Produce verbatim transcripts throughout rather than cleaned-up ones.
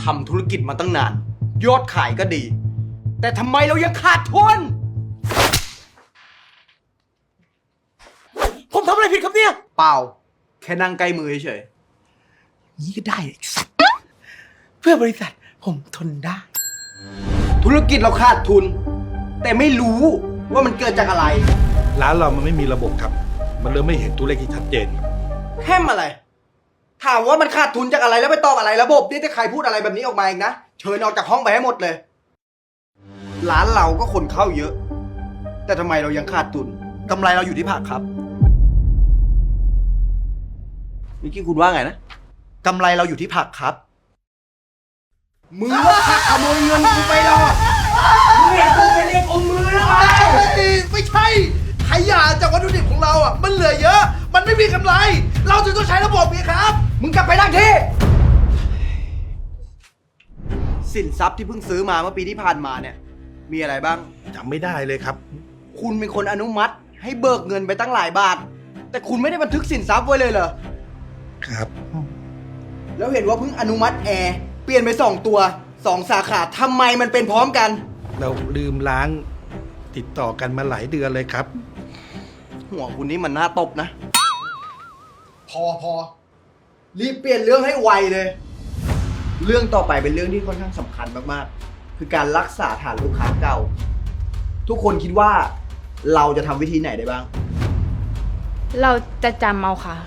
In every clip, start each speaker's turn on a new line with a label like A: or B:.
A: ทำธุรกิจมาตั้งนานยอดขายก็ดีแต่ทำไมเรายังขาดทุนผมทำอะไรผิดครับเนี่ยเปล่าแค่นั่งใกล้มือเฉยนี่ก็ได้เพื่อบริษัทผมทนได้ธุรกิจเราขาดทุนแต่ไม่รู้ว่ามันเกิดจากอะไร
B: ร้านเรามันไม่มีระบบครับมันเลยไม่เห็นตัวเลขที่ชัดเจน
A: แค่อะไรถามว่ามันขาดทุนจากอะไรแล้วไปตอบอะไรระบบนี่ถ้าใครพูดอะไรแบบนี้ออกมาอีกนะเชิญออกจากห้องไปให้หมดเลยร้านเราก็คนเข้าเยอะแต่ทำไมเรายังขาดทุนกำไรเราอยู่ที่ผักครับเมื่อกี้คุณว่าไงนะกำไรเราอยู่ที่ผักครับมือว่าผักขโมยเงินกูไปหรอมึงเห็นกูเป็นเองอมมือแล้วไง
C: ไม่ใช่ขยะจากวัตถุดิบของเราอ่ะมันเหลือเยอะมันไม่มีกำไรเราจึงต้องใช้ระบบนี้ครับ
A: มึงกลับไปนั่งที่สินทรัพย์ที่เพิ่งซื้อมาเมื่อปีที่ผ่านมาเนี่ยมีอะไรบ้าง
B: จำไม่ได้เลยครับ
A: คุณเป็นคนอนุมัติให้เบิกเงินไปตั้งหลายบาทแต่คุณไม่ได้บันทึกสินทรัพย์ไว้เลยเหรอ
B: ครับ
A: แล้วเห็นว่าเพิ่งอนุมัติแอร์เปลี่ยนไปสองตัวสองสาขาทำไมมันเป็นพร้อมกัน
B: เราลืมล้างติดต่อกันมาหลายเดือนเลยครับ
A: หัวคุณนี่มันน่าตบนะ
C: พอพอ
A: รีบเปลี่ยนเรื่องให้ไวเลยเรื่องต่อไปเป็นเรื่องที่ค่อนข้างสำคัญมากๆคือการรักษาฐานลูกค้าเก่าทุกคนคิดว่าเราจะทำวิธีไหนได้บ้าง
D: เราจะจำเอาค่ะ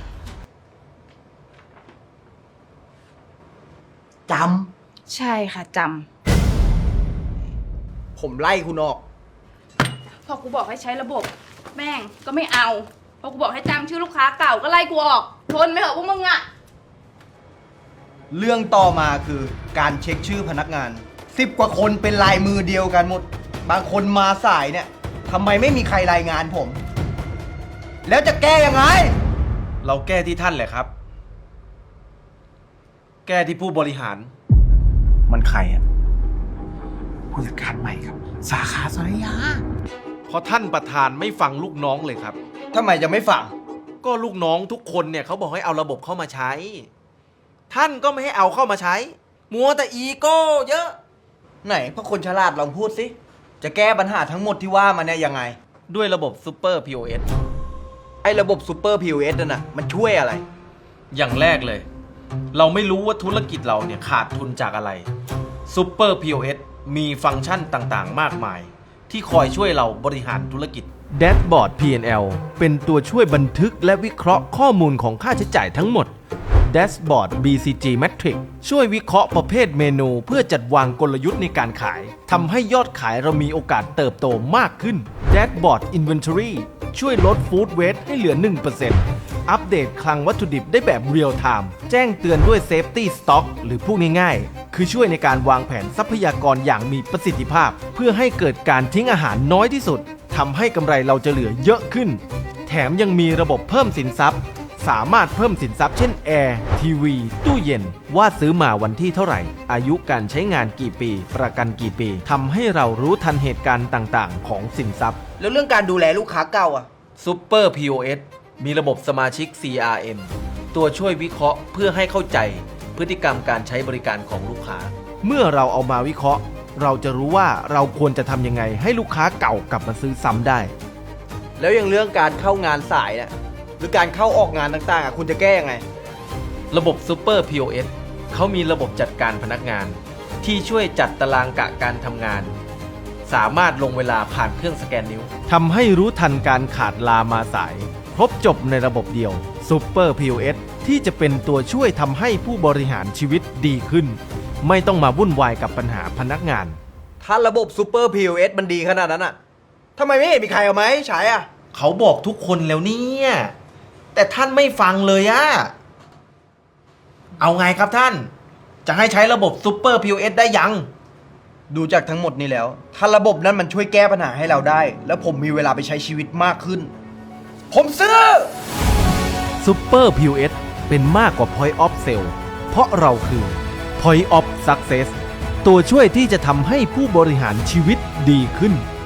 A: จ
D: ำใช่ค่ะจ
A: ำผมไล่คุณออก
D: พอกูบอกให้ใช้ระบบแม่งก็ไม่เอาพอกูบอกให้จำชื่อลูกค้าเก่าก็ไล่กูออกทนไม่เหรอพวกมึงอะ
A: เรื่องต่อมาคือการเช็คชื่อพนักงานสิบกว่าคนเป็นลายมือเดียวกันหมดบางคนมาสายเนี่ยทำไมไม่มีใครรายงานผมแล้วจะแก้ยังไง
E: เราแก้ที่ท่านแหละครับแก้ที่ผู้บริหาร
A: มันใครอะ
C: ผู้จัดการใหม่ครับสาขาสารยา
E: เพราะท่านประธานไม่ฟังลูกน้องเลยครับ
A: ทำไมจะไม่ฟัง
E: ก็ลูกน้องทุกคนเนี่ยเขาบอกให้เอาระบบเข้ามาใช้ท่านก็ไม่ให้เอาเข้ามาใช้มัวแต่อีโก้เยอะ
A: ไหนพวกคนฉลาดลองพูดสิจะแก้ปัญหาทั้งหมดที่ว่ามาเนี่ยยังไง
E: ด้วยระบบซูเปอร์ พี โอ เอส
A: ไอ้ระบบซูเปอร์ พี โอ เอส นั่นน่ะมันช่วยอะไร
E: อย่างแรกเลยเราไม่รู้ว่าธุรกิจเราเนี่ยขาดทุนจากอะไรซูเปอร์ พี โอ เอส มีฟังก์ชันต่างๆมากมายที่คอยช่วยเราบริหารธุรกิจ
F: Dashboard พี แอนด์ แอล เป็นตัวช่วยบันทึกและวิเคราะห์ข้อมูลของค่าใช้จ่ายทั้งหมด Dashboard บี ซี จี Matrix ช่วยวิเคราะห์ประเภทเมนูเพื่อจัดวางกลยุทธ์ในการขายทำให้ยอดขายเรามีโอกาสเติบโตมากขึ้น Dashboard Inventory ช่วยลด Food Waste ให้เหลือ หนึ่งเปอร์เซ็นต์ อัปเดตคลังวัตถุดิบได้แบบเรียลไทม์แจ้งเตือนด้วย Safety Stock หรือพูดง่ายๆคือช่วยในการวางแผนทรัพยากรอย่างมีประสิทธิภาพเพื่อให้เกิดการทิ้งอาหารน้อยที่สุดทำให้กำไรเราจะเหลือเยอะขึ้นแถมยังมีระบบเพิ่มสินทรัพย์สามารถเพิ่มสินทรัพย์เช่นแอร์ทีวีตู้เย็นว่าซื้อมาวันที่เท่าไหร่อายุการใช้งานกี่ปีประกันกี่ปีทำให้เรารู้ทันเหตุการณ์ต่างๆของสินทรัพย์
A: แล้วเรื่องการดูแลลูกค้าเก่าอ่ะ
E: Super พี โอ เอส มีระบบสมาชิก ซี อาร์ เอ็ม ตัวช่วยวิเคราะห์เพื่อให้เข้าใจพฤติกรรมการใช้บริการของลูกค้า
F: เมื่อเราเอามาวิเคราะห์เราจะรู้ว่าเราควรจะทำยังไงให้ลูกค้าเก่ากลับมาซื้อซ้ำได้
A: แล้วอย่างเรื่องการเข้างานสายเนี่ยหรือการเข้าออกงานต่างๆอ่ะคุณจะแก้ยังไง
E: ระบบ Super พี โอ เอส เขามีระบบจัดการพนักงานที่ช่วยจัดตารางกะการทำงานสามารถลงเวลาผ่านเครื่องสแกนนิ้ว
F: ทำให้รู้ทันการขาดลามาสายครบจบในระบบเดียว Super พี โอ เอส ที่จะเป็นตัวช่วยทำให้ผู้บริหารชีวิตดีขึ้นไม่ต้องมาวุ่นวายกับปัญหาพนักงาน
A: ถ้าระบบ Super พี โอ เอส มันดีขนาดนั้นอ่ะทำไมไม่เห็นมีใครเอาไหมใช้อ่ะ
E: เขาบอกทุกคนแล้วเนี่ยแต่ท่านไม่ฟังเลยอะเอาไงครับท่านจะให้ใช้ระบบ Super พี โอ เอส ได้ยัง
A: ดูจากทั้งหมดนี้แล้วถ้าระบบนั้นมันช่วยแก้ปัญหาให้เราได้แล้วผมมีเวลาไปใช้ชีวิตมากขึ้นผมซื้อ
F: Super พี โอ เอส เป็นมากกว่า Point of Sale เพราะเราคือ Point of Success ตัวช่วยที่จะทำให้ผู้บริหารชีวิตดีขึ้น